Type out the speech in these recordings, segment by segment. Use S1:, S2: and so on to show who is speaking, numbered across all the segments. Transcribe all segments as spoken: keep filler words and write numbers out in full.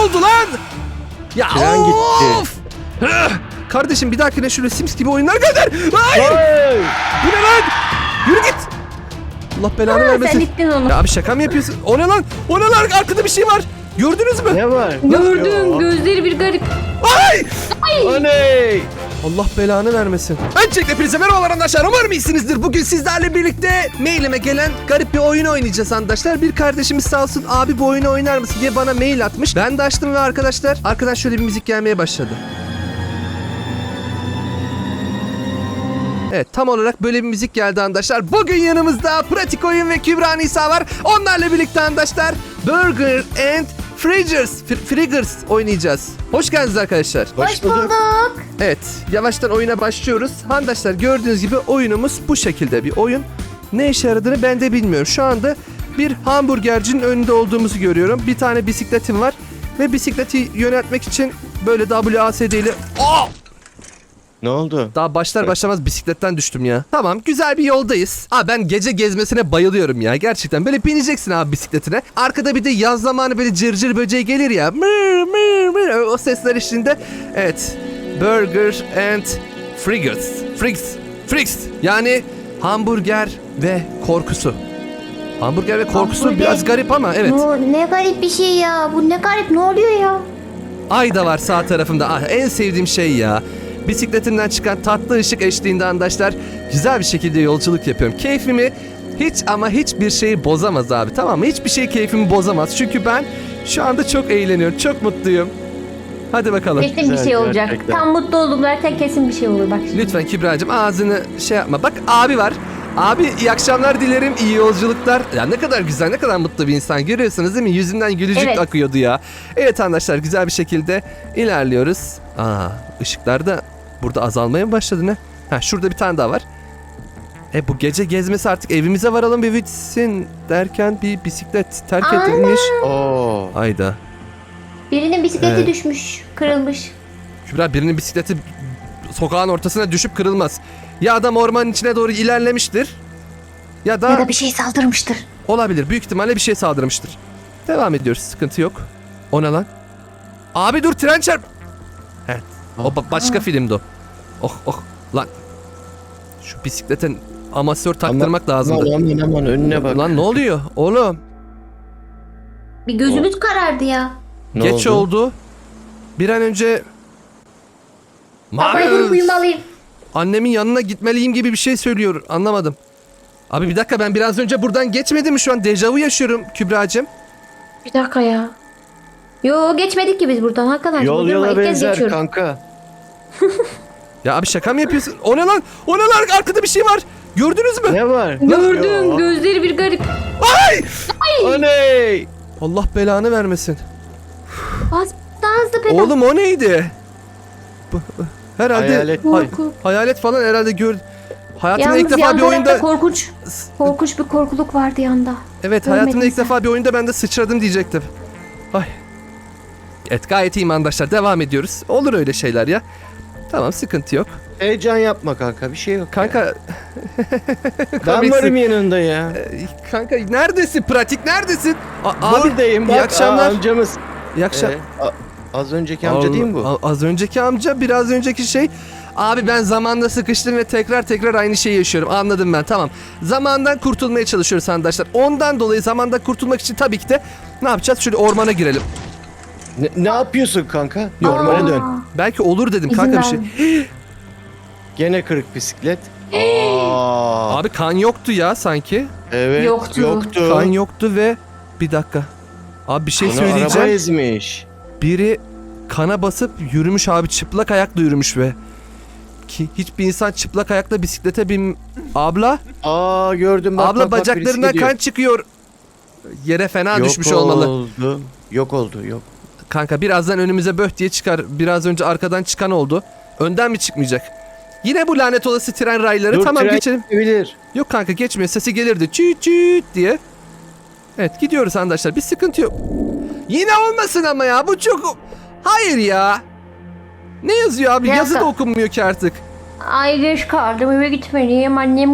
S1: oldu lan? Ya
S2: Tren
S1: of!
S2: gitti.
S1: Kardeşim bir dahakine şöyle Sims gibi oyunlar gönder. Hayır!
S2: Hey!
S1: Bu ne lan? Yürü git. Allah belanı
S3: Ha, sen
S1: vermesin.
S3: gittin onu.
S1: Ya abi şaka mı yapıyorsun? O ne lan? O ne lan? Arkada bir şey var. Gördünüz mü?
S2: Ne var?
S3: Gördüm,
S2: Yo.
S3: gözleri bir garip.
S1: Ay!
S2: Oley!
S1: Allah belanı vermesin. Öncelikle hepinize merhabalar arkadaşlar. Umarım iyisinizdir. Bugün sizlerle birlikte mailime gelen garip bir oyun oynayacağız arkadaşlar. Bir kardeşimiz sağ olsun abi bu oyunu oynar mısın diye bana mail atmış. Ben de açtım ve arkadaşlar, arkadaş şöyle bir müzik gelmeye başladı. Evet, tam olarak böyle bir müzik geldi arkadaşlar. Bugün yanımızda Pratik Oyun ve Kübra Nisa var. Onlarla birlikte arkadaşlar Burger and Friggers, Fr- Friggers oynayacağız. Hoş geldiniz arkadaşlar.
S3: Hoş bulduk.
S1: Evet, yavaştan oyuna başlıyoruz. Arkadaşlar gördüğünüz gibi oyunumuz bu şekilde bir oyun. Ne işe yaradığını ben de bilmiyorum. Şu anda bir hamburgercinin önünde olduğumuzu görüyorum. Bir tane bisikletim var ve bisikleti yöneltmek için böyle W A S D ile... Aa!
S2: Ne oldu?
S1: Daha başlar başlamaz bisikletten düştüm ya. Tamam, güzel bir yoldayız. Aa, ben gece gezmesine bayılıyorum ya. Gerçekten böyle bineceksin abi bisikletine. Arkada bir de yaz zamanı böyle cırcır böceği gelir ya. Mır mır mır. O sesler eşliğinde. Evet. Burger and Friggers. Friggs. Friggs. Yani hamburger ve korkusu. Hamburger ve korkusu
S3: Hamburger.
S1: biraz garip ama evet.
S3: Ne, ne garip bir şey ya. Bu ne garip, ne oluyor ya?
S1: Ay da var sağ tarafımda. Ah, en sevdiğim şey ya. Bisikletimden çıkan tatlı ışık eşliğinde arkadaşlar güzel bir şekilde yolculuk yapıyorum. Keyfimi hiç ama hiçbir şeyi bozamaz abi, tamam mı? Hiçbir şey keyfimi bozamaz. Çünkü ben şu anda çok eğleniyorum. Çok mutluyum. Hadi bakalım.
S3: Kesin bir
S2: Güzel,
S3: şey olacak.
S2: gerçekten.
S3: Tam mutlu oldum zaten, kesin bir şey olur bak şimdi.
S1: Lütfen Kübra'cığım ağzını şey yapma. Bak abi var. Abi iyi akşamlar dilerim, iyi yolculuklar. Ya ne kadar güzel, ne kadar mutlu bir insan. Görüyorsunuz değil mi? Yüzünden gülücük
S3: Evet.
S1: akıyordu ya. Evet arkadaşlar, güzel bir şekilde ilerliyoruz. Aa, ışıklar da burada azalmaya mı başladı ne? Ha, şurada bir tane daha var. E bu gece gezmesi artık evimize varalım bir bitsin derken bir bisiklet terk
S3: Ana!
S1: edilmiş.
S2: Oo.
S1: Hayda.
S3: Birinin bisikleti
S1: Evet.
S3: düşmüş, kırılmış.
S1: Kübra, birinin bisikleti sokağın ortasına düşüp kırılmaz. Ya adam ormanın içine doğru ilerlemiştir. Ya da,
S3: Ya da bir şey saldırmıştır.
S1: olabilir. Büyük ihtimalle bir şey saldırmıştır. Devam ediyoruz. Sıkıntı yok. O ne lan? Abi dur, tren çarp. Evet. O ba- başka filmdi o. Oh oh lan. Şu bisiklete amasör taktırmak lazımdı.
S2: Aman aman aman önüne bak.
S1: Lan ne oluyor oğlum?
S3: Bir gözümüz karardı ya.
S2: Ne
S1: Geç oldu? Bir an önce
S3: Kafayı vurup uyumalıyım.
S1: annemin yanına gitmeliyim gibi bir şey söylüyor. Anlamadım. Abi bir dakika, ben biraz önce buradan geçmedim mi şu an? Dejavu yaşıyorum Kübra'cığım.
S3: Bir dakika ya. Yo, geçmedik ki biz buradan. Hakikaten.
S2: Yol
S3: Buradan
S2: yola
S3: ilk kez
S2: benzer
S3: geçiyorum.
S2: kanka.
S1: Ya abi şaka mı yapıyorsun? O ne lan? O ne lan? Arkada bir şey var. Gördünüz mü?
S2: Ne var?
S3: Gördüm,
S2: Yo.
S3: gözleri bir garip.
S1: Ay!
S2: Oley!
S1: Allah belanı vermesin.
S3: Bas, daha hızlı pedal.
S1: Oğlum o neydi? Bu, herhalde
S2: Hayalet.
S1: hay-
S3: Korku.
S1: hayalet falan herhalde gör. Hayatımda
S3: Yalnız
S1: ilk defa
S3: yan
S1: bir
S3: tarafta
S1: oyunda
S3: korkunç, korkunç bir korkuluk vardı yanda.
S1: Evet,
S3: Görmedin
S1: hayatımda ilk
S3: sen.
S1: defa bir oyunda ben de sıçradım diyecektim. Ay. Evet, gayet iyiyim arkadaşlar. Devam ediyoruz. Olur öyle şeyler ya. Tamam, sıkıntı yok.
S2: Heyecan yapma kanka, bir şey yok.
S1: Kanka
S2: ya. Ben
S1: komiksin.
S2: varım yanında ya.
S1: Ee, kanka neredesin? Pratik neredesin? A- abi
S2: Buradayım
S1: iyi
S2: bak.
S1: akşamlar.
S2: Aa, amcamız.
S1: iyi akşam.
S2: Ee, a- az önceki amca değil mi bu?
S1: Allah- Az önceki amca, biraz önceki şey. Abi ben zamanda sıkıştım ve tekrar tekrar aynı şeyi yaşıyorum. Anladım ben, tamam. Zamandan kurtulmaya çalışıyoruz arkadaşlar. Ondan dolayı zamandan kurtulmak için tabii ki de ne yapacağız? Şöyle ormana girelim.
S2: Ne, ne yapıyorsun kanka?
S1: Yok,
S2: Normale
S3: Aa.
S2: dön.
S1: Belki olur dedim
S3: İzin
S1: kanka bir şey.
S3: verme.
S2: Gene kırık bisiklet. Aa,
S1: Abi kan yoktu ya sanki.
S2: evet.
S3: Yoktu.
S2: Yoktu.
S1: Kan yoktu ve bir dakika. Abi bir şey
S2: Bunu
S1: söyleyeceğim.
S2: araba ezmiş.
S1: Biri kana basıp yürümüş abi, çıplak ayakla yürümüş ve ki hiçbir insan çıplak ayakla bisiklete bin... Abla,
S2: Aa gördüm bak.
S1: abla
S2: bak, bak,
S1: bacaklarından
S2: birisi gidiyor.
S1: kan çıkıyor. Yere fena
S2: Yok
S1: düşmüş olmalı.
S2: oldu. Yok oldu yok.
S1: Kanka birazdan önümüze böh diye çıkar. Biraz önce arkadan çıkan oldu. Önden mi çıkmayacak? Yine bu lanet olası tren rayları.
S2: Dur,
S1: Tamam
S2: tren
S1: geçelim.
S2: gidebilir.
S1: Yok kanka geçmiyor. Sesi gelirdi. Çüt çüt diye. Evet, gidiyoruz arkadaşlar. Bir sıkıntı yok. Yine olmasın ama ya. Bu çok... Hayır ya. Ne yazıyor abi?
S3: Ne
S1: Yazı da
S3: yazdı?
S1: okunmuyor ki artık.
S3: Ay geç kaldım, eve gitmeliyim. Annem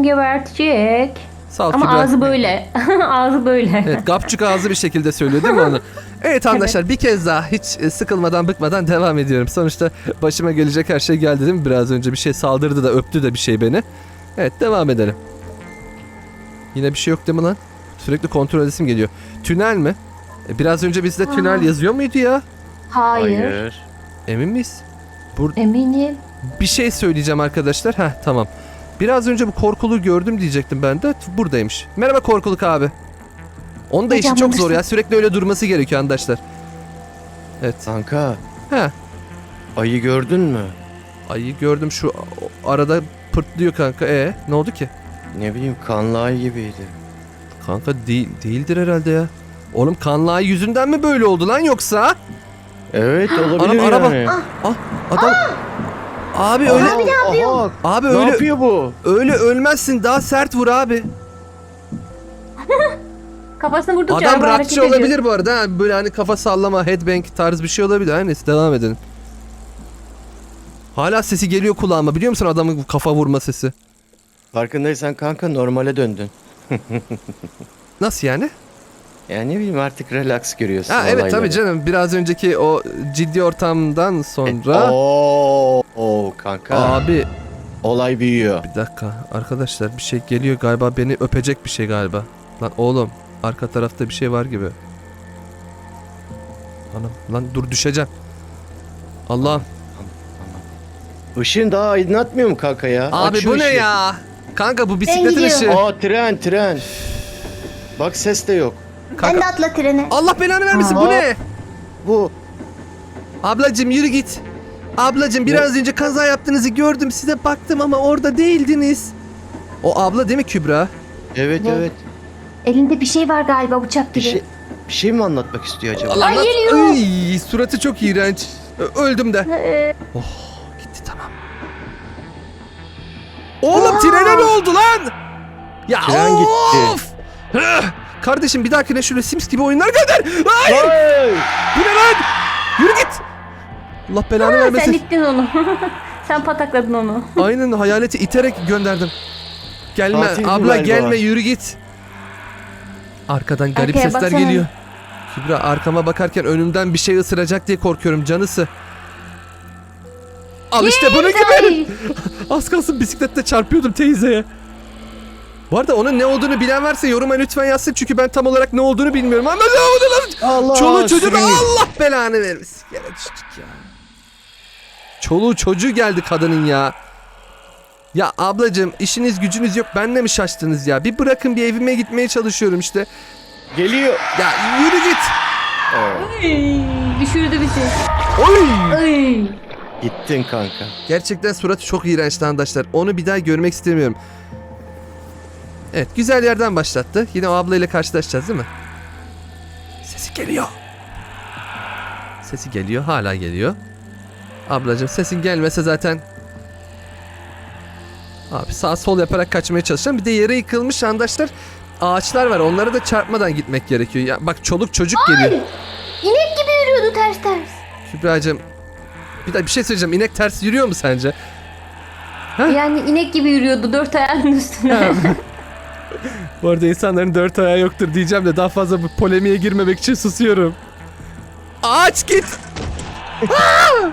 S3: gebertecek.
S1: Sağ ol
S3: Ama
S1: Kübra.
S3: ağzı böyle. Ağzı böyle.
S1: Evet, gapçuk ağzı bir şekilde söylüyor değil mi onu? Evet arkadaşlar bir kez daha hiç e, sıkılmadan bıkmadan devam ediyorum. Sonuçta başıma gelecek her şey geldi değil mi? Biraz önce bir şey saldırdı da öptü de bir şey beni. Evet devam edelim. Yine bir şey yok değil mi lan? Sürekli kontrol edesim geliyor. Tünel mi? E, biraz önce bizde
S3: Aa.
S1: tünel yazıyor muydu ya?
S3: Hayır.
S1: Emin miyiz? Bur
S3: Eminim.
S1: bir şey söyleyeceğim arkadaşlar. Heh tamam. Biraz önce bu korkuluğu gördüm diyecektim ben de. Buradaymış. Merhaba korkuluk abi. Onun da işi
S3: Hocam,
S1: çok zor
S3: alırsın.
S1: ya. Sürekli öyle durması gerekiyor arkadaşlar. Evet.
S2: Kanka
S1: He.
S2: ayı gördün mü?
S1: Ayı gördüm şu o- arada pırtlıyor kanka. E ne oldu ki?
S2: Ne bileyim kanlı ayı gibiydi.
S1: Kanka değil değildir herhalde ya. Oğlum kanlı ayı yüzünden mi böyle oldu lan yoksa?
S2: Evet olabilir
S1: Anam, araba.
S2: yani.
S1: Ah adam. Abi öyle
S2: Abi ne yapıyor?
S1: abi
S2: Ne
S1: öyle
S2: yapıyor bu?
S1: öyle ölmezsin. Daha sert vur abi.
S3: Kafasına vurdukça
S1: Adam
S3: araba hareket
S1: rockçı
S3: ediyor.
S1: olabilir bu arada. ha. Böyle hani kafa sallama, headbang tarz bir şey olabilir. Her neyse devam edelim. Hala sesi geliyor kulağıma. Biliyor musun adamın kafa vurma sesi?
S2: Farkındaysan kanka normale döndün.
S1: Nasıl yani?
S2: Yani ne bileyim artık relax görüyorsun
S1: Ha evet
S2: olayları.
S1: tabii canım. Biraz önceki o ciddi ortamdan sonra...
S2: Oo, oo kanka.
S1: Abi
S2: Olay büyüyor.
S1: bir dakika arkadaşlar bir şey geliyor galiba, beni öpecek bir şey galiba. Lan oğlum arka tarafta bir şey var gibi. Anam lan dur düşeceğim. Allah'ım.
S2: Işığın daha aydınlatmıyor mu kanka ya?
S1: Abi
S2: Aç şu
S1: bu ne
S2: ışığı.
S1: ya? Kanka bu bisikletin
S3: gidiyorum.
S1: ışığı.
S2: Aa tren tren. Bak ses de yok.
S3: Sen
S1: Kanka
S3: de atla trene.
S1: Allah belanı vermesin, bu
S2: Aa.
S1: ne?
S2: Bu
S1: Ablacım yürü git. Ablacım biraz önce kaza yaptığınızı gördüm, size baktım ama orada değildiniz. O abla değil mi Kübra?
S2: evet
S3: Ne?
S2: evet.
S3: Elinde bir şey var galiba, bıçak
S2: Bir
S3: gibi.
S2: şey bir şey mi anlatmak istiyor acaba?
S1: Allah
S3: Ay,
S1: Allah.
S3: geliyor.
S1: Ay, suratı çok iğrenç. Ö- Öldüm de.
S3: Ee,
S1: Gitti tamam. Oğlum trene ne oldu lan? Ya
S2: Tren
S1: of!
S2: gitti.
S1: Hıh! Kardeşim bir dahakine şöyle Sims gibi oyunlar gönder. Hayır!
S2: Hey!
S1: Bu ne lan? Yürü git. Allah belanı
S3: sen
S1: vermesin.
S3: ittin onu. Sen patakladın onu.
S1: Aynen hayaleti iterek gönderdim. Gelme
S2: Tatil bu
S1: abla
S2: galiba.
S1: gelme yürü git. Arkadan garip
S3: Arkaya
S1: sesler
S3: baksana.
S1: geliyor. Kübra arkama bakarken önümden bir şey ısıracak diye korkuyorum canısı. Al işte bunun gibi.
S3: Ay,
S1: Az kalsın bisiklette çarpıyordum teyzeye. Bu arada onun ne olduğunu bilen varsa yoruma lütfen yazsın çünkü ben tam olarak ne olduğunu bilmiyorum. Ama ne oldu lan?
S2: Allah
S1: Çoluğu çocuğu da
S2: sürünüyor.
S1: Allah belanı vermesin. Gene düştük ya. Çoluğu çocuğu geldi kadının ya. Ya ablacığım işiniz gücünüz yok, benle mi şaştınız ya? Bir bırakın, bir evime gitmeye çalışıyorum işte.
S2: Geliyor.
S1: Ya yürü git.
S2: Oo,
S3: ay, düşürdü bizi.
S1: Oy.
S3: Ay.
S2: gittin kanka.
S1: Gerçekten suratı çok iğrençti arkadaşlar. Onu bir daha görmek istemiyorum. Evet güzel yerden başlattı. Yine o ablayla karşılaşacağız değil mi? Sesi geliyor. Sesi geliyor, hala geliyor. Ablacığım sesin gelmese zaten... Abi sağ sol yaparak kaçmaya çalışacağım. Bir de yere yıkılmış arkadaşlar. Ağaçlar var, onlara da çarpmadan gitmek gerekiyor. Ya bak çoluk çocuk geliyor.
S3: İnek gibi yürüyordu ters ters.
S1: Kübra'cığım bir daha bir şey söyleyeceğim. İnek ters yürüyor mu sence? Heh.
S3: Yani inek gibi yürüyordu dört ayağının üstüne.
S1: Bu arada insanların dört ayağı yoktur diyeceğim de daha fazla bu polemiğe girmemek için susuyorum. Ağaç git. Aa!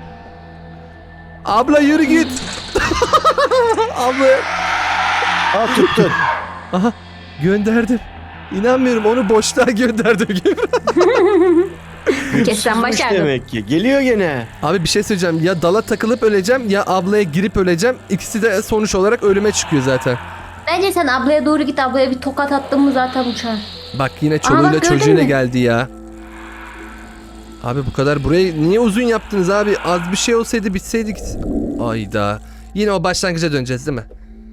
S1: Abla yürü git. Abla.
S2: Aa tuttun.
S1: Aha gönderdim. İnanmıyorum, onu boşluğa gönderdim gibi.
S3: Kessen
S2: Tutmuş
S3: başardım.
S2: demek ki. Geliyor gene.
S1: Abi bir şey söyleyeceğim. Ya dala takılıp öleceğim ya ablaya girip öleceğim. İkisi de sonuç olarak ölüme çıkıyor zaten.
S3: Bence sen ablaya doğru git, ablaya bir tokat attın mı zaten uçar.
S1: Bak yine çoluğuyla
S3: bak, gördün
S1: çocuğuyla
S3: mü?
S1: geldi ya. Abi bu kadar burayı niye uzun yaptınız abi? Az bir şey olsaydı bitseydik. Ayda. Yine o başlangıca döneceğiz değil mi?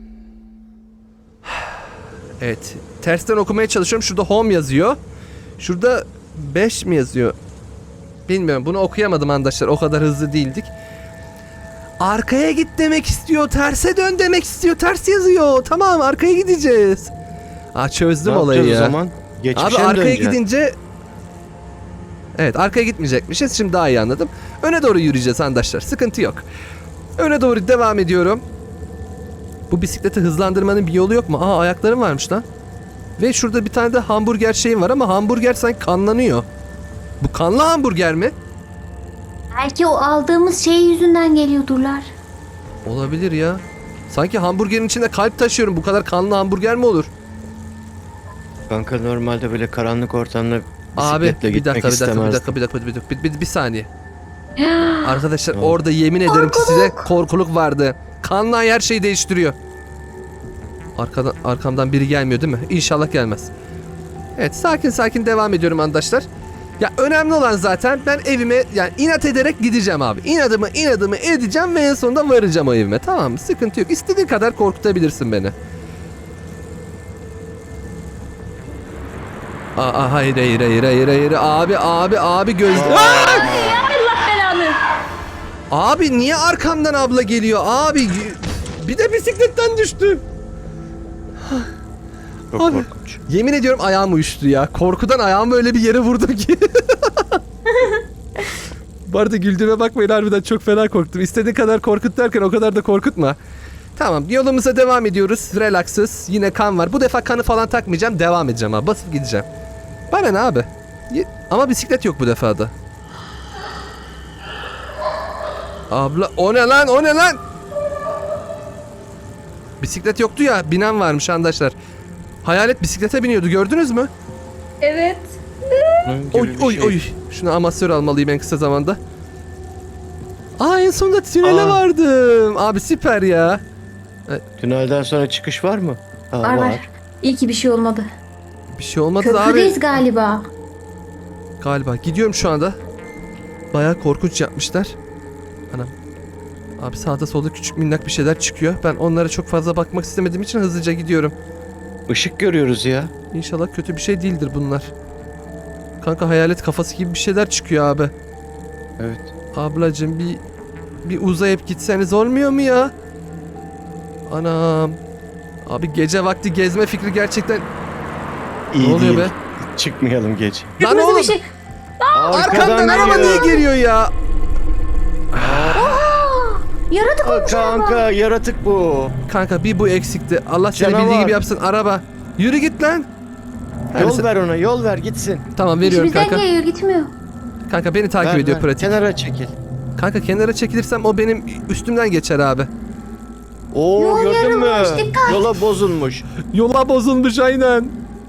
S1: Evet. Tersten okumaya çalışıyorum. Şurada home yazıyor. Şurada beş mi yazıyor? Bilmiyorum. Bunu okuyamadım arkadaşlar. O kadar hızlı değildik. Arkaya git demek istiyor. Terse dön demek istiyor. Ters yazıyor. Tamam arkaya gideceğiz. Aa çözdüm
S2: Ne
S1: olayı
S2: yapacağız
S1: ya.
S2: o zaman? Geçmişe
S1: Abi
S2: mi
S1: arkaya
S2: döneceksin?
S1: gidince... Evet arkaya gitmeyecekmişiz. Şimdi daha iyi anladım. Öne doğru yürüyeceğiz arkadaşlar. Sıkıntı yok. Öne doğru devam ediyorum. Bu bisikleti hızlandırmanın bir yolu yok mu? Aa ayaklarım varmış lan. Ve şurada bir tane de hamburger şeyim var ama hamburger sanki kanlanıyor. Bu kanlı hamburger mi?
S3: Belki o aldığımız şey yüzünden geliyordurlar.
S1: Olabilir ya. Sanki hamburgerin içinde kalp taşıyorum. Bu kadar kanlı hamburger mi olur?
S2: Kanka normalde böyle karanlık ortamda
S1: Abi
S2: bisikletle
S1: bir
S2: gitmek
S1: dakika bir dakika bir
S2: istemezdim.
S1: dakika bir dakika bir dakika bir, bir, bir saniye. Arkadaşlar orada yemin ederim ki size korkuluk vardı. Kanlı her şeyi değiştiriyor. Arkadan, arkamdan biri gelmiyor değil mi? İnşallah gelmez. Evet sakin sakin devam ediyorum arkadaşlar. Ya önemli olan zaten ben evime yani inat ederek gideceğim abi. İnadımı inadımı edeceğim ve en sonunda varacağım o evime. Tamam mı? Sıkıntı yok. İstediğin kadar korkutabilirsin beni. Aa hayır hayır hayır hayır hayır abi abi abi gözle.
S3: Allah belanı.
S1: Abi niye arkamdan abla geliyor abi? Bir de bisikletten düştü.
S2: Çok
S1: Abi.
S2: korkunç.
S1: Yemin ediyorum ayağım uyuştu ya. Korkudan ayağımı öyle bir yere vurdum ki. Bu arada güldüğüme bakmayın harbiden çok fena korktum. İstediğin kadar korkut derken o kadar da korkutma. Tamam yolumuza devam ediyoruz. Relaxız. Yine kan var. Bu defa kanı falan takmayacağım. Devam edeceğim abi. Basıp gideceğim. Bana ne abi? Ye- Ama bisiklet yok bu defada. Abla o ne lan o ne lan? Bisiklet yoktu ya. Binen varmış arkadaşlar. Hayalet bisiklete biniyordu gördünüz mü?
S3: Evet.
S2: Bunun gibi
S1: Oy
S2: bir
S1: oy
S2: şey.
S1: oy. Şunu amasör almalıyım en kısa zamanda. Aa en sonunda tünele
S2: Aa.
S1: vardım. Abi süper ya.
S2: Tünelden sonra çıkış var mı? Ha,
S3: Var var. İyi ki bir şey olmadı.
S1: Bir şey olmadı da abi.
S3: Köprüdeyiz galiba.
S1: Galiba. Gidiyorum şu anda. Bayağı korkunç yapmışlar. Anam. Abi sağda solda küçük minnak bir şeyler çıkıyor. Ben onlara çok fazla bakmak istemediğim için hızlıca gidiyorum.
S2: Işık görüyoruz ya.
S1: İnşallah kötü bir şey değildir bunlar. Kanka hayalet kafası gibi bir şeyler çıkıyor abi.
S2: Evet.
S1: Ablacığım bir bir uzayıp gitseniz olmuyor mu ya? Anam. Abi gece vakti gezme fikri gerçekten...
S2: İyi
S1: Ne oluyor
S2: değil.
S1: be?
S2: Çıkmayalım gece.
S1: Lan
S3: Kırmızı
S1: oğlum
S3: bir şey.
S1: arkamdan araba niye geliyor ya?
S3: Yaratık
S2: Aa,
S3: olmuş araba.
S2: kanka yaratık bu.
S1: Kanka bir bu eksikti. Allah seni
S2: Canavar.
S1: bildiği gibi yapsın araba. Yürü git lan. Her
S2: Yol
S1: neyse.
S2: ver ona, yol ver gitsin.
S1: Tamam veriyorum
S3: İçimizden
S1: kanka.
S3: geliyor gitmiyor.
S1: Kanka beni takip
S2: Ver,
S1: ediyor
S2: ver.
S1: pratik.
S2: Kenara çekil.
S1: Kanka kenara çekilirsem o benim üstümden geçer abi.
S2: Oo
S3: Yol
S2: gördün mü?
S3: yarılmış, dikkat.
S2: Yola bozulmuş.
S1: Yola bozulmuş aynen.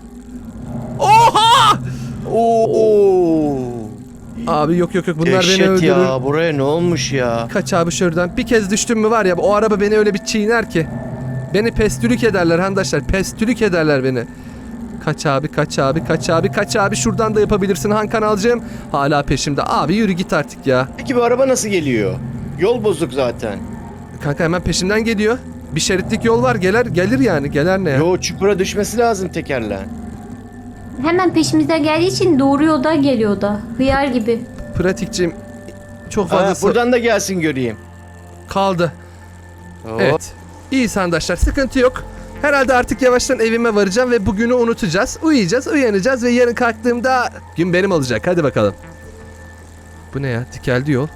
S1: Oha!
S2: Oo.
S1: Abi yok yok yok bunlar beni
S2: Dehşet
S1: öldürür.
S2: ya, buraya ne olmuş ya?
S1: Kaç abi şuradan. Bir kez düştüm mü var ya o araba beni öyle bir çiğner ki. Beni pestülük ederler arkadaşlar. Pestülük ederler beni. Kaç abi kaç abi kaç abi kaç abi şuradan da yapabilirsin Han Kanalcığım. Hala peşimde. Abi yürü git artık ya.
S2: Peki bu araba nasıl geliyor? Yol bozuk zaten.
S1: Kanka hemen peşimden geliyor. Bir şeritlik yol var gelir gelir yani. Gelir ne ya?
S2: Yo çukura düşmesi lazım tekerleğin.
S3: Hemen peşimizden geldiği için doğru yoldan geliyor da. Hıyar gibi.
S1: Pratikçim çok
S2: Ha,
S1: fazlası
S2: buradan da gelsin göreyim.
S1: kaldı.
S2: Oo.
S1: Evet. İyi arkadaşlar sıkıntı yok. Herhalde artık yavaştan evime varacağım ve bugünü unutacağız. Uyuyacağız, uyanacağız ve yarın kalktığımda gün benim olacak. Hadi bakalım. Bu ne ya? Dikeldi yol.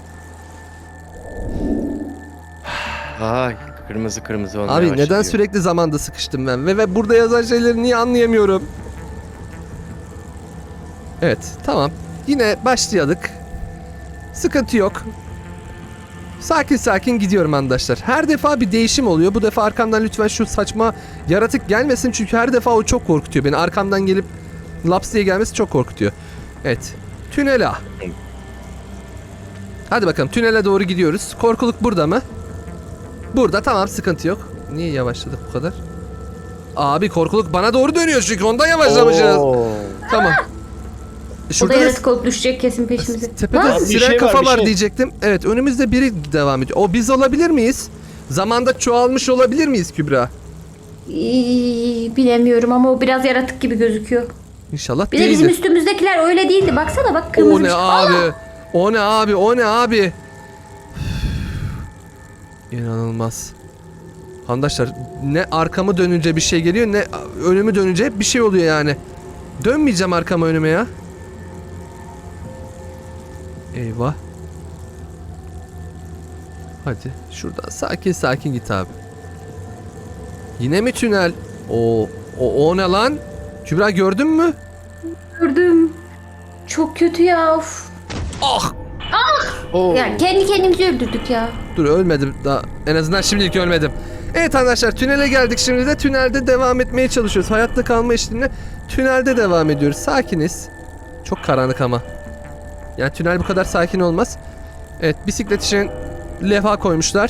S2: Ay kırmızı kırmızı olmaya
S1: Abi
S2: başladı.
S1: neden sürekli zamanda sıkıştım ben ve, ve burada yazan şeyleri niye anlayamıyorum? Evet, tamam. Yine başlayadık. Sıkıntı yok. Sakin sakin gidiyorum arkadaşlar. Her defa bir değişim oluyor. Bu defa arkamdan lütfen şu saçma yaratık gelmesin. Çünkü her defa o çok korkutuyor beni. Arkamdan gelip laps diye gelmesi çok korkutuyor. Evet. Tünele. Hadi bakalım tünele doğru gidiyoruz. Korkuluk burada mı? Burada tamam sıkıntı yok. Niye yavaşladık bu kadar? Abi korkuluk bana doğru dönüyor çünkü ondan yavaşlamışız.
S2: Oo.
S1: Tamam.
S3: O da
S1: Şurada da
S3: yaratık olup düşecek kesin peşimize.
S1: tepede
S3: Lan,
S2: Abi bir
S1: siren
S2: şey var,
S1: kafa
S2: bir
S1: var
S2: şey.
S1: diyecektim. Evet önümüzde biri devam ediyor. O biz olabilir miyiz? Zamanda çoğalmış olabilir miyiz Kübra?
S3: İyi, bilemiyorum ama o biraz yaratık gibi gözüküyor.
S1: İnşallah
S3: Bir de bizim
S1: değildir.
S3: üstümüzdekiler öyle değildi. Baksana bak kırmızı
S1: O
S3: bir
S1: ne
S3: şey.
S1: abi? O ne abi? O ne abi? İnanılmaz. Arkadaşlar ne arkamı dönünce bir şey geliyor ne önümü dönünce hep bir şey oluyor yani. Dönmeyeceğim arkama önüme ya. Eyvah. Hadi şuradan sakin sakin git abi. Yine mi tünel? O o, o ne lan? Kübra gördün mü?
S3: Gördüm. Çok kötü ya. Of.
S1: Ah!
S2: Oo.
S3: Ya kendi kendimizi öldürdük ya.
S1: Dur ölmedim daha. En azından şimdilik ölmedim. Evet arkadaşlar tünele geldik şimdi de tünelde devam etmeye çalışıyoruz. Hayatta kalma işlemine tünelde devam ediyoruz. Sakiniz. Çok karanlık ama. Yani tünel bu kadar sakin olmaz. Evet bisiklet için levha koymuşlar.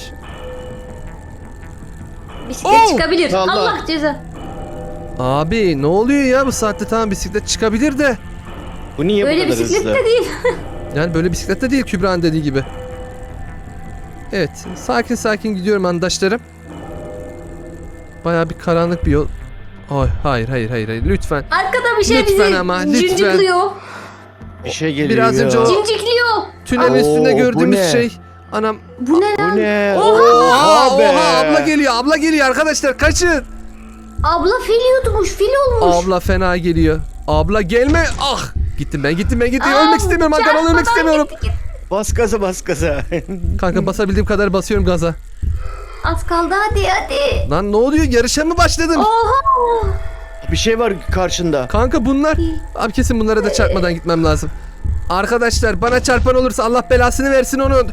S3: Bisiklet
S1: Oo!
S3: çıkabilir.
S2: Allah.
S3: Allah ceza.
S1: Abi ne oluyor ya bu saatte tamam bisiklet çıkabilir de.
S2: Bu niye
S3: Böyle
S2: bu kadar
S3: bisiklet
S2: hızlı?
S3: de değil.
S1: Yani böyle bisiklet de değil Kübra'nın dediği gibi. Evet sakin sakin gidiyorum arkadaşlarım. Baya bir karanlık bir yol. Ay, hayır hayır hayır hayır lütfen.
S3: Arkada bir şey
S1: Lütfen
S3: bizi
S1: ama, lütfen.
S3: cincikliyor.
S2: Bir şey geliyor
S1: Biraz
S2: ya.
S1: önce o-
S3: Cincikliyor.
S1: Tünelin
S2: Oo,
S1: üstünde
S2: bu
S1: gördüğümüz
S2: ne?
S1: şey. Anam.
S3: Bu ne lan?
S2: Bu ne?
S1: Oha,
S2: Oha be.
S1: oha abla geliyor abla geliyor arkadaşlar kaçın.
S3: Abla fil yutmuş. Fil olmuş.
S1: Abla fena geliyor. Abla gelme. Ah. Gittim ben gittim ben gittim.
S3: Aa,
S1: ölmek istemiyorum Hakan
S3: çarpmadan
S1: ölmek istemiyorum.
S3: gitti, gitti.
S2: Bas gaza bas gaza.
S1: Kanka basabildiğim kadar basıyorum gaza.
S3: Az kaldı hadi hadi.
S1: Lan ne oluyor yarışa mı başladın?
S3: Oha.
S2: Bir şey var karşında.
S1: Kanka bunlar. Abi kesin bunlara da çarpmadan gitmem lazım. Arkadaşlar bana çarpan olursa Allah belasını versin onun.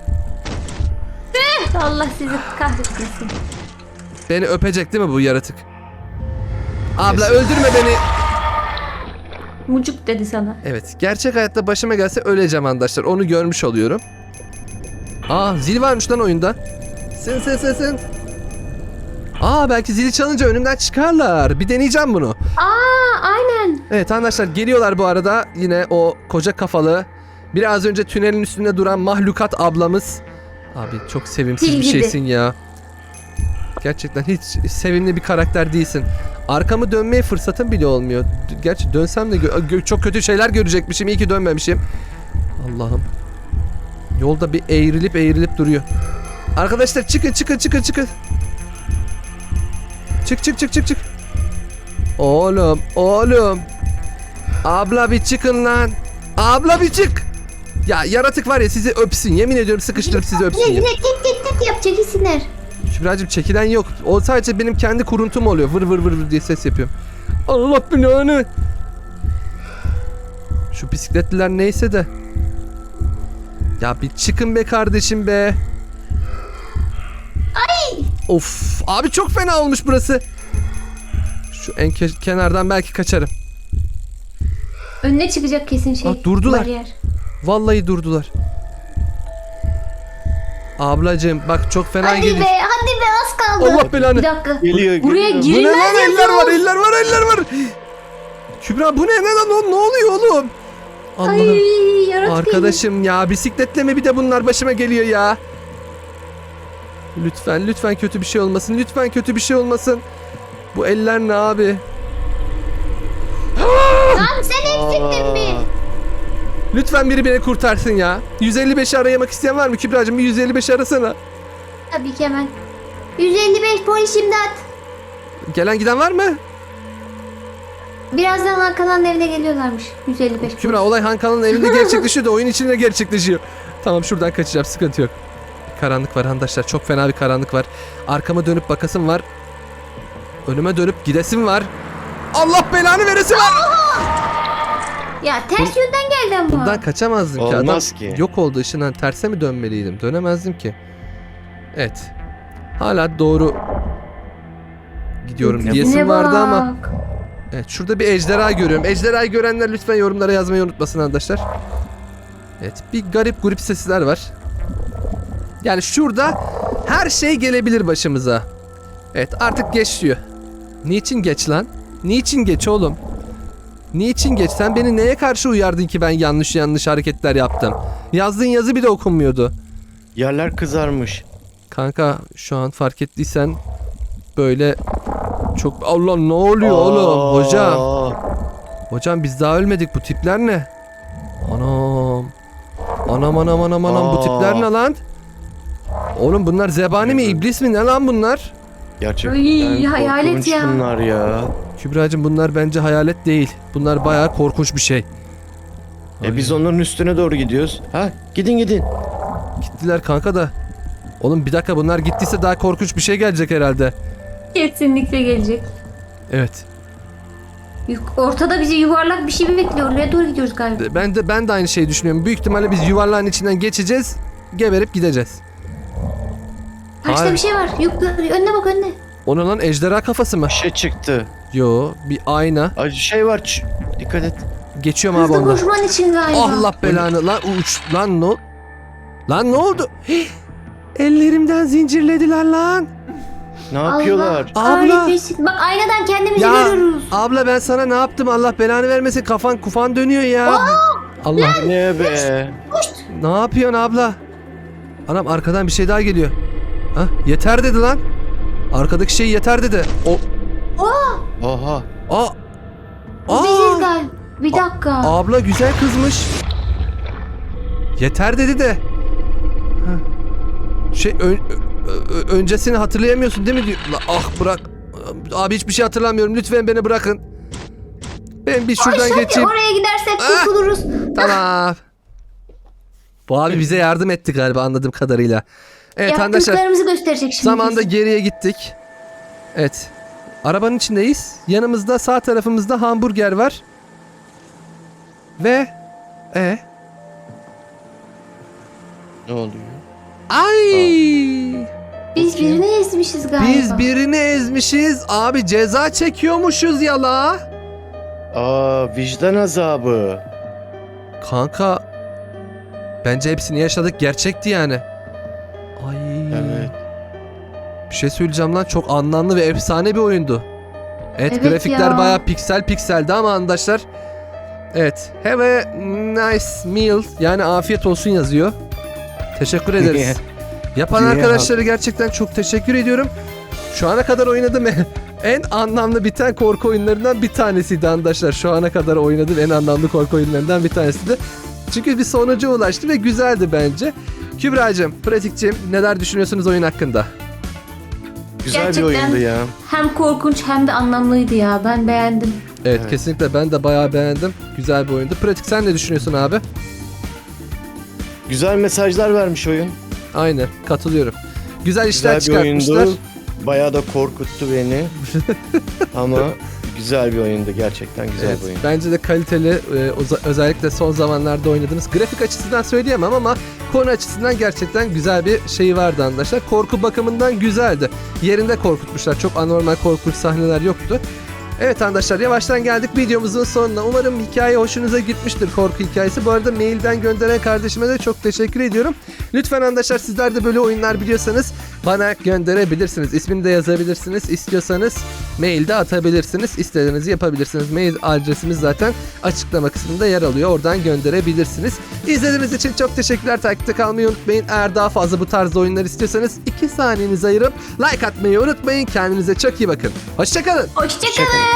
S3: Allah sizi kahretmesin.
S1: Beni öpecek değil mi bu yaratık? Abla
S2: Kesin.
S1: öldürme beni.
S3: Mucuk dedi sana.
S1: Evet gerçek hayatta başıma gelse öleceğim arkadaşlar. Onu görmüş oluyorum. Aa zil varmış lan oyunda. Sen sen sen sen. Aa belki zili çalınca önümden çıkarlar. Bir deneyeceğim bunu.
S3: Aa aynen.
S1: Evet arkadaşlar geliyorlar bu arada. Yine o koca kafalı. Biraz önce tünelin üstünde duran mahlukat ablamız. Abi çok sevimsiz
S3: Fil
S1: bir
S3: gibi.
S1: şeysin ya. Gerçekten hiç sevimli bir karakter değilsin. Arkamı dönmeye fırsatım bile olmuyor. Gerçi dönsem de gö- gö- çok kötü şeyler görecekmişim. İyi ki dönmemişim. Allah'ım. Yolda bir eğrilip eğrilip duruyor. Arkadaşlar çıkın çıkın çıkın çıkın. Çık çık çık çık çık. Oğlum oğlum. Abla bir çıkın lan. Abla bir çık. Ya yaratık var ya sizi öpsün. Yemin ediyorum sıkıştırıp sizi öpsün
S3: Ne
S1: ya.
S3: ne tek tek tek yap çekilsinler.
S1: Kübra'cığım çekilen yok. O sadece benim kendi kuruntum oluyor. Vır vır vır vır diye ses yapıyorum. Allah belanı. Şu bisikletliler neyse de. Ya bir çıkın be kardeşim be. Ay. Of abi çok fena olmuş burası. Şu en ke- kenardan belki kaçarım.
S3: Önüne çıkacak kesin şey.
S1: Aa, durdular.
S3: Bariyer.
S1: Vallahi durdular. Ablacığım bak çok fena
S3: Hadi
S1: geliyor.
S3: be hadi be az kaldı.
S1: Allah belanı.
S3: Bir dakika.
S2: Geliyor,
S3: Buraya
S2: geliyor.
S1: Bu ne
S3: girilmez
S1: lan eller
S3: yazıyor.
S1: var eller var eller var. Kübra bu ne ne lan o ne oluyor oğlum? Allah'ım.
S3: Ay yaratık
S1: Arkadaşım ya bisikletle mi bir de bunlar başıma geliyor ya. Lütfen lütfen kötü bir şey olmasın. Lütfen kötü bir şey olmasın. Bu eller ne abi?
S3: geliyor. Lan sen eksiktin bir.
S2: Aa,
S1: Lütfen biri beni kurtarsın ya. yüz elli beşi arayamak isteyen var mı Kübra'cığım? Bir yüz elli beşi arasana.
S3: Tabii ki hemen. yüz elli beş polis imdat.
S1: Gelen giden var mı?
S3: Birazdan Hakan'ın evine geliyorlarmış. yüz elli beş
S1: Kübra olay Hankan'ın evinde gerçekleşiyor da oyun içinde gerçekleşiyor. Tamam şuradan kaçacağım sıkıntı yok. Karanlık var arkadaşlar çok fena bir karanlık var. Arkama dönüp bakasım var. Önüme dönüp gidesim var. Allah belanı veresin var.
S3: Ya ters yönden geldi ama.
S1: Bundan kaçamazdım ki. Adam
S2: Olmaz ki.
S1: yok oldu ışından terse mi dönmeliydim? Dönemezdim ki. Evet. Hala doğru gidiyorum
S2: Ne
S1: diyesim
S3: Ne
S1: vardı ama.
S3: bak.
S1: Evet şurada bir ejderha görüyorum. Ejderhayı görenler lütfen yorumlara yazmayı unutmasın arkadaşlar. Evet bir garip grup sesler var. Yani şurada her şey gelebilir başımıza. Evet artık geç diyor. Niçin geç lan? Niçin geç oğlum? Niçin geç? Sen beni neye karşı uyardın ki ben yanlış yanlış hareketler yaptım? Yazdığın yazı bile okunmuyordu.
S2: yerler kızarmış.
S1: Kanka şu an fark ettiysen böyle çok... Allah ne oluyor oğlum? Hocam.
S2: Aa,
S1: Hocam biz daha ölmedik. Bu tipler ne? Anam. Anam anam anam anam bu
S2: Aa.
S1: tipler ne lan? Oğlum bunlar zebani mi iblis mi ne lan bunlar?
S2: Gerçekten
S3: Ay, hayalet
S2: korkunç
S3: ya.
S2: bunlar ya.
S1: Kübra'cığım bunlar bence hayalet değil. Bunlar bayağı korkunç bir şey.
S2: E biz onların üstüne doğru gidiyoruz. Ha gidin gidin.
S1: Gittiler kanka da. Oğlum bir dakika bunlar gittiyse daha korkunç bir şey gelecek herhalde.
S3: Kesinlikle gelecek.
S1: Evet.
S3: Yuk- Ortada bizi yuvarlak bir şey mi bekliyor? Oraya doğru gidiyoruz galiba.
S1: Ben de ben de aynı şeyi düşünüyorum. Büyük ihtimalle biz yuvarlağın içinden geçeceğiz. Geberip gideceğiz.
S3: Karşıda
S1: Hayır.
S3: bir şey var. Yuk, önüne bak önüne.
S1: Onun lan ejderha kafası mı?
S2: Bir şey çıktı.
S1: Yo, bir ayna.
S2: Ay şey var. ç- Dikkat et.
S1: Geçiyorum abi
S3: Hızlı
S1: ondan.
S3: koşman için galiba.
S1: Allah belanı lan uç lan no. Lan ne oldu? Hih! Ellerimden zincirlediler lan.
S2: Ne yapıyorlar?
S1: Abla.
S3: Kahretmesin. Bak aynadan kendimizi
S1: Ya
S3: görüyoruz.
S1: abla ben sana ne yaptım? Allah belanı vermesin. Kafan kufan dönüyor ya. Allah.
S2: Ne be?
S1: Ne yapıyorsun abla? Anam arkadan bir şey daha geliyor. Ha, yeter dedi lan. Arkadaki şey yeter dedi. O
S2: Oha.
S1: Aa.
S3: Bu biziz
S1: Aa.
S3: galiba. Bir dakika.
S1: Abla güzel kızmış. Yeter dedi de. Ha. Şey ön- ö- ö- öncesini hatırlayamıyorsun değil mi diyor. La, ah bırak. Abi hiçbir şey hatırlamıyorum. Lütfen beni bırakın. Ben bir şuradan
S3: Ay,
S1: geçeyim.
S3: oraya gidersek
S1: Ah.
S3: kurtuluruz.
S1: Tamam. Bu abi bize yardım etti galiba anladığım kadarıyla. Evet arkadaşlar.
S3: Yaptıklarımızı gösterecek şimdi.
S1: Zamanda
S3: bize.
S1: geriye gittik. Evet. Arabanın içindeyiz. Yanımızda sağ tarafımızda hamburger var. Ve e
S2: Ne oluyor?
S1: ay
S3: Biz birini ezmişiz galiba.
S1: biz birini ezmişiz. Abi ceza çekiyormuşuz ya la.
S2: Aa, vicdan azabı.
S1: Kanka bence hepsini yaşadık. Gerçekti yani. Ay.
S2: Evet.
S1: Bir şey söyleyeceğim lan. Çok anlamlı ve efsane bir oyundu. Evet,
S3: Evet
S1: grafikler
S3: ya.
S1: bayağı piksel pikseldi ama arkadaşlar. Evet. Have a nice meal. Yani afiyet olsun yazıyor. Teşekkür ederiz. Yapan
S2: Yeah.
S1: arkadaşlara gerçekten çok teşekkür ediyorum. Şu ana kadar oynadığım en anlamlı biten korku oyunlarından bir tanesiydi arkadaşlar. Şu ana kadar oynadığım en anlamlı korku oyunlarından bir tanesiydi. Çünkü bir sonuca ulaştı ve güzeldi bence. Kübra'cığım, Pratik'cim neler düşünüyorsunuz oyun hakkında?
S2: Güzel
S3: Gerçekten.
S2: bir oyundu ya.
S3: Hem korkunç hem de anlamlıydı ya. Ben beğendim.
S1: Evet,
S2: Evet.
S1: kesinlikle ben de bayağı beğendim. Güzel bir oyundu. Pratik sen ne düşünüyorsun abi?
S2: Güzel mesajlar vermiş oyun.
S1: Aynen, katılıyorum. Güzel işler
S2: Güzel bir
S1: çıkartmışlar.
S2: oyundu. Bayağı da korkuttu beni. Ama güzel bir oyundu gerçekten güzel
S1: Evet,
S2: bir oyun.
S1: bence de kaliteli, e, oza- özellikle son zamanlarda oynadığınız. Grafik açısından söyleyemem ama konu açısından gerçekten güzel bir şeyi vardı arkadaşlar. Korku bakımından güzeldi. Yerinde korkutmuşlar. Çok anormal korkunç sahneler yoktu. Evet arkadaşlar, yavaştan geldik videomuzun sonuna. Umarım hikaye hoşunuza gitmiştir, korku hikayesi. Bu arada mailden gönderen kardeşime de çok teşekkür ediyorum. Lütfen arkadaşlar sizler de böyle oyunlar biliyorsanız bana gönderebilirsiniz. İsmini de yazabilirsiniz. İstiyorsanız mailde atabilirsiniz. İstediğinizi yapabilirsiniz. Mail adresimiz zaten açıklama kısmında yer alıyor. Oradan gönderebilirsiniz. İzlediğiniz için çok teşekkürler. Takipte kalmayı unutmayın. Eğer daha fazla bu tarz oyunlar istiyorsanız iki saniyenizi ayırıp like atmayı unutmayın. Kendinize çok iyi bakın. Hoşçakalın.
S3: Hoşçakalın.